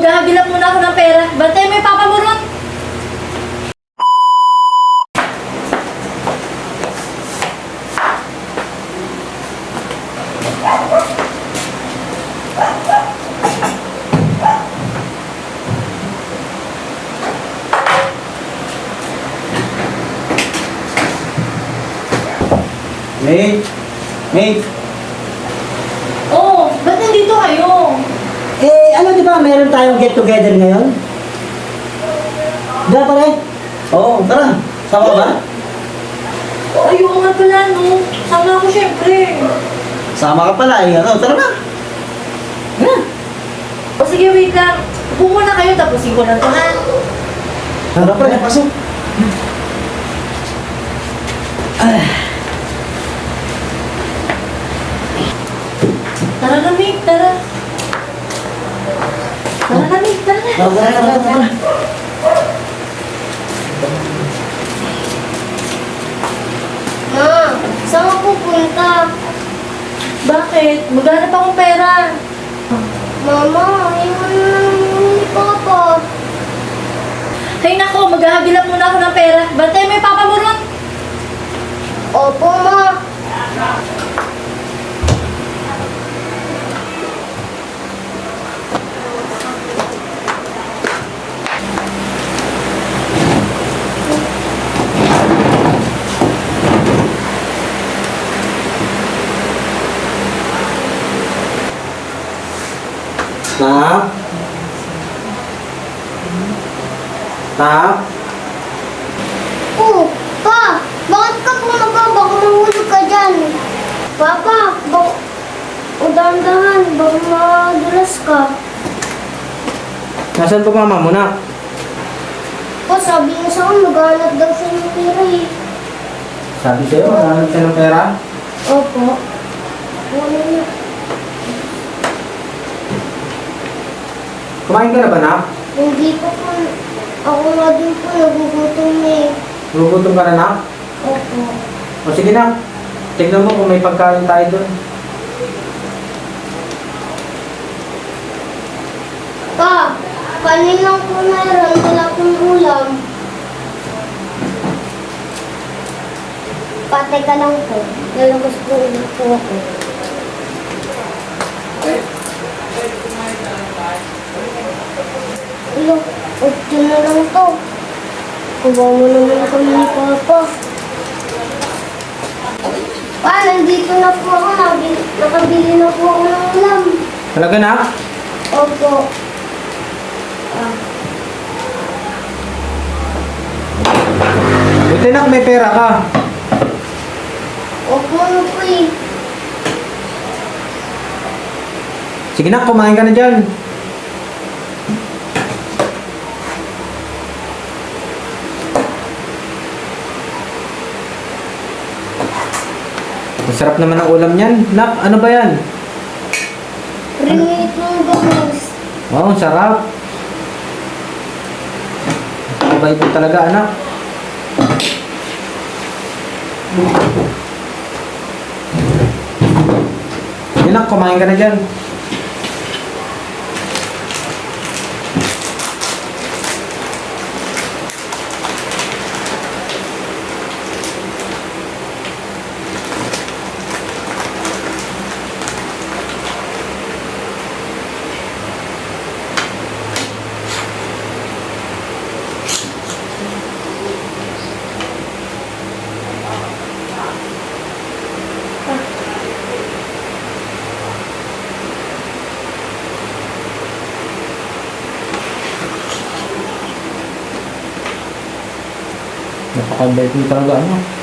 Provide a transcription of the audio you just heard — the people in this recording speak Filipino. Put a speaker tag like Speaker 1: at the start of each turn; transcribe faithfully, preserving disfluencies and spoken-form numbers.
Speaker 1: maghahagilap muna ako ng pera. Bantay mo yung papa mo ron.
Speaker 2: May, May,
Speaker 1: Oh, ba't nandito kayo?
Speaker 3: Eh, ano di ba, meron tayong get together ngayon? Di ba pare?
Speaker 2: oo, tara. Sama ka ba?
Speaker 1: Ayoko nga pala, no? Sama ako syempre.
Speaker 2: Sama ka pala eh. Ano, tara na.
Speaker 3: Ha?
Speaker 1: O sige, wait lang. Upo muna kayo, tapusin ko na to, ha?
Speaker 2: Tara pre, pasok.
Speaker 1: Tara na, Mick, tara. Tara na, Mick, tara na.
Speaker 2: Tara, tara, tara.
Speaker 4: Ma, saan ka pupunta?
Speaker 1: Bakit? Maghanap akong pera.
Speaker 4: Mama, ayaw na lang ni Papa.
Speaker 1: Hay nako, maghahagilap muna ako ng pera. Bantay mo yung papa mo ron.
Speaker 4: Opo, Ma.
Speaker 2: Tak. Tak.
Speaker 4: Oh, Pa, bakit ka pumaga? Baka mahulog ka dyan. Papa, baka... O dahan-dahan, baka madulas ka.
Speaker 2: Nasaan pa mama mo na?
Speaker 4: Pa, sabi niya sa akin, maghanap daw siya ng pera eh.
Speaker 2: Sabi sa'yo, maghanap siya ng pera.
Speaker 4: Opo. Wala na.
Speaker 2: Kumain ka na ba, nak?
Speaker 4: Hindi pa po. Ako nga din po, nagugutom eh.
Speaker 2: Gugutom ka na, nak?
Speaker 4: Opo.
Speaker 2: O sige na. Tignan mo kung may pagkain tayo doon.
Speaker 4: Pa, kanin lang po meron, wala pong ulam. Patay ka lang po. Lalabas po ulit po ako. Ilo, otso na lang to. Kuha mo naman kami ni Papa. Pa, nandito na po ako. Nabil- Nakabili na po ako ng ulam.
Speaker 2: Talaga, nak?
Speaker 4: Opo. Ah.
Speaker 2: Buti nak, may pera ka.
Speaker 4: Opo na po eh.
Speaker 2: Sige nak, kumain ka na dyan. Masarap naman ang ulam niyan. Nak, ano ba yan?
Speaker 4: Rinit ng gamus.
Speaker 2: Wow, ang sarap. Mabait mo talaga, anak. Sige nak, kumain ka na dyan. Napaka-bait mo talaga, ano?